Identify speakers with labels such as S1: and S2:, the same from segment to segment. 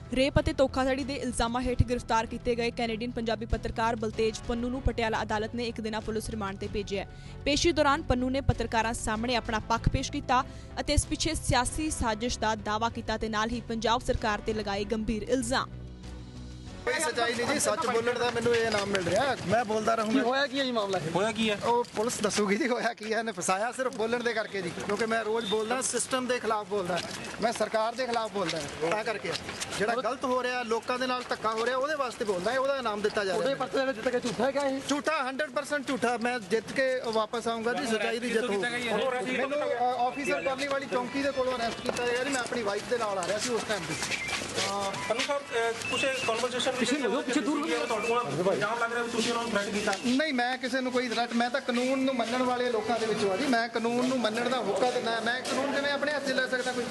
S1: Rape ਅਤੇ ਧੋਖਾਧੜੀ ਦੇ ਇਲਜ਼ਾਮਾਂ ਹੇਠ ਗ੍ਰਿਫਤਾਰ ਕੀਤੇ ਗਏ ਕੈਨੇਡੀਅਨ ਪੰਜਾਬੀ ਪੱਤਰਕਾਰ ਬਲਤੇਜ ਪੰਨੂ ਨੂੰ ਪਟਿਆਲਾ ਅਦਾਲਤ ਨੇ ਇੱਕ ਦਿਨਾ ਪੁਲਿਸ ਰਿਮਾਂਡ ਤੇ ਭੇਜਿਆ। ਪੇਸ਼ੀ ਦੌਰਾਨ ਪੰਨੂ ਨੇ ਪੱਤਰਕਾਰਾਂ ਸਾਹਮਣੇ ਆਪਣਾ ਪੱਖ ਪੇਸ਼ ਕੀਤਾ ਅਤੇ ਇਸ ਪਿੱਛੇ ਸਿਆਸੀ ਸਾਜ਼ਿਸ਼ ਦਾ ਦਾਅਵਾ ਕੀਤਾ ਤੇ ਨਾਲ ਹੀ ਪੰਜਾਬ ਸਰਕਾਰ ਤੇ ਲਗਾਏ ਗੰਭੀਰ ਇਲਜ਼ਾਮ।
S2: कोई सच्चाई नहीं जी, सच बोलने का मैंने ये नाम मिल रहा है, मैं बोलता रहूँगा।
S3: होया की है जी मामला होया की है
S2: वो पुलिस दसूगी जी होया की है, ने फसाया सिर्फ बोलने दे करके जी, क्योंकि मैं रोज बोलदा सिस्टम के खिलाफ बोलदा, मैं सरकार के खिलाफ बोलदा तां करके ਜਿਹੜਾ ਗਲਤ ਹੋ ਰਿਹਾ ਲੋਕਾਂ ਦੇ ਨਾਲ ਧੱਕਾ ਹੋ ਰਿਹਾ ਉਹਦੇ ਵਾਸਤੇ ਬੋਲਦਾ ਹੈ, ਉਹਦਾ ਨਾਮ ਦਿੱਤਾ ਜਾ ਰਿਹਾ।
S3: ਉਹਦੇ ਪਰਚੇ ਵਿੱਚ ਜਿੱਤ ਕੇ ਝੂਠਾ ਕਿਹਾ ਇਹ
S2: ਝੂਠਾ 100% ਝੂਠਾ। ਮੈਂ ਜਿੱਤ ਕੇ ਵਾਪਸ ਆਉਂਗਾ ਜੀ, ਸੱਚਾਈ ਦੀ ਜਿੱਤ ਹੋਊਗੀ। ਮੈਨੂੰ ਆਫੀਸਰ ਕਰਨੀ ਵਾਲੀ ਚੌਂਕੀ ਦੇ ਕੋਲੋਂ ਅਰੈਸਟ ਕੀਤਾ ਗਿਆ ਜੀ, ਮੈਂ ਆਪਣੀ ਵਾਈਫ ਦੇ ਨਾਲ ਆ ਰਿਹਾ ਸੀ ਉਸ ਟਾਈਮ ਤੇ।
S4: ਪੰਨੂ ਸਾਹਿਬ ਕੁਝ ਕਨਵਰਸੇਸ਼ਨ ਪਿੱਛੇ ਦੂਰ ਤੁਹਾਡੇ ਕੋਲ ਇਲਜ਼ਾਮ ਲੱਗ ਰਿਹਾ ਵੀ ਤੁਸੀਂ ਉਹਨਾਂ ਨੂੰ ਥ੍ਰੈਟ ਕੀਤਾ।
S2: ਨਹੀਂ, ਮੈਂ ਕਿਸੇ ਨੂੰ ਕੋਈ ਥ੍ਰੈਟ, ਮੈਂ ਤਾਂ ਕਾਨੂੰਨ ਨੂੰ ਮੰਨਣ ਵਾਲੇ ਲੋਕਾਂ ਦੇ ਵਿੱਚੋਂ ਆ ਜੀ। ਮੈਂ ਕਾਨੂੰਨ ਨੂੰ ਮੰਨਣ ਦਾ ਹੋਕਾ ਦਿੰਦਾ, ਮੈਂ ਕਾਨੂੰਨ ਕਿਵੇਂ ਆਪਣੇ ਹੱਥ 'ਚ ਲੈ ਸਕਦਾ ਕੋਈ।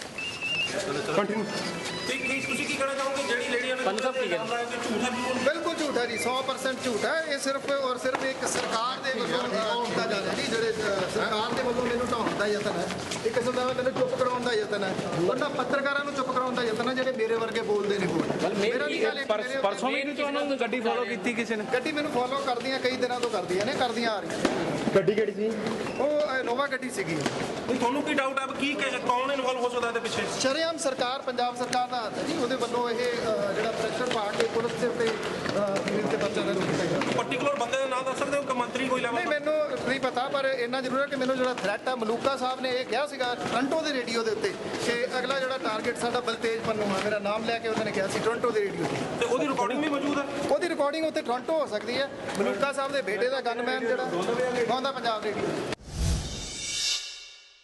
S4: ਤੁਸੀਂ ਕੀ ਕਹਿਣਾ ਚਾਹੋਗੇ ਜਿਹੜੀ ਲੇਡੀ ਨੇ ਪੰਨੂ ਸਾਹਿਬ ਕੀ ਕਹਿੰਦਾ ਕਿ ਝੂਠਾ
S2: ਬਿਲਕੁਲ ਝੂਠਾ ਜੀ, 100% ਝੂਠਾ। ਇਹ ਸਿਰਫ ਔਰ ਸਿਰਫ ਇੱਕ ਸਰਕਾਰ ਦੇ ਵੱਲੋਂ ਹੁੰਦਾ ਜਾ ਰਿਹਾ ਜੀ, ਜਿਹੜੇ ਸਰਕਾਰ ਦੇ ਵੱਲੋਂ ਮੈਨੂੰ ਢਾਉਣ ਦਾ ਯਤਨ ਹੈ, ਇੱਕ ਕਿਸਮ ਦਾ ਮੈਨੂੰ ਚੁੱਪ ਕਰਾਉਣ ਦਾ ਯਤਨ ਹੈ, ਉਹਨਾਂ ਪੱਤਰਕਾਰਾਂ ਨੂੰ ਚੁੱਪ ਕਰਾਉਣ ਦਾ ਯਤਨ ਹੈ ਜਿਹੜੇ ਮੇਰੇ ਵਰਗੇ ਬੋਲਦੇ ਨੇ।
S3: ਪਰਸੋਂ ਵੀ ਤੁਹਾਨੂੰ ਗੱਡੀ ਫੋਲੋ ਕੀਤੀ ਕਿਸੇ ਨੇ?
S2: ਗੱਡੀ ਮੈਨੂੰ ਫੋਲੋ ਕਰਦੀਆਂ ਕਈ ਦਿਨਾਂ ਤੋਂ ਕਰਦੀਆਂ ਆ ਰਹੀਆਂ।
S3: ਗੱਡੀ ਕਿਹੜੀ ਸੀ?
S2: ਉਹ ਇਨੋਵਾ ਗੱਡੀ ਸੀਗੀ।
S4: ਤੁਹਾਨੂੰ ਕੀ ਡਾਊਟ ਹੈ ਕੀ ਕੌਣ ਇਨਵੋਲਵ ਹੋ ਸਕਦਾ ਇਹਦੇ ਪਿੱਛੇ?
S2: ਸ਼ਰੇਆਮ ਸਰਕਾਰ, ਪੰਜਾਬ ਸਰਕਾਰ ਦਾ ਹੱਥ ਹੈ ਜੀ, ਉਹਦੇ ਵੱਲੋਂ ਇਹ ਜਿਹੜਾ ਪ੍ਰੈਸ਼ਰ ਪਾ ਕੇ ਪੁਲਿਸ ਦੇ ਉੱਤੇ ਤੇ ਬੱਚਾ ਦੇ ਰੁਕ
S4: ਪਾਰਟੀਕੂਲਰ ਬੰਦੇ ਦਾ ਨਾਮ ਦੱਸ ਸਕਦੇ ਹੋ ਕਿ ਮੰਤਰੀ ਕੋਈ ਲੈਵਲ?
S2: ਨਹੀਂ, ਮੈਨੂੰ ਨਹੀਂ ਪਤਾ, ਪਰ ਇੰਨਾ ਜ਼ਰੂਰ ਹੈ ਕਿ ਮੈਨੂੰ ਜਿਹੜਾ ਥ੍ਰੈਟ ਹੈ, ਮਲੂਕਾ ਸਾਹਿਬ ਨੇ ਇਹ ਕਿਹਾ ਸੀਗਾ ਟੋਰਾਂਟੋ ਦੇ ਰੇਡੀਓ ਦੇ ਉੱਤੇ ਕਿ ਅਗਲਾ ਜਿਹੜਾ ਟਾਰਗੇਟ ਸਾਡਾ ਬਲਤੇਜ ਪੰਨੂ ਹੈ, ਮੇਰਾ ਨਾਮ ਲੈ ਕੇ ਉਹਨਾਂ ਨੇ ਕਿਹਾ ਸੀ ਟੋਰਾਂਟੋ ਦੇ ਰੇਡੀਓ
S4: ਤੇ ਉਹਦੀ ਰਿਕਾਰਡਿੰਗ ਵੀ ਮੌਜੂਦ ਹੈ?
S2: ਉਹਦੀ ਰਿਕਾਰਡਿੰਗ ਉੱਥੇ ਟੋਰਾਂਟੋ ਹੋ ਸਕਦੀ ਹੈ। ਮਲੂਕਾ ਸਾਹਿਬ ਦੇ ਬੇਟੇ ਦਾ ਗਨਮੈਨ ਜਿਹੜਾ ਗਾਉਂਦਾ ਪੰਜਾਬ ਰੇਡੀਓ।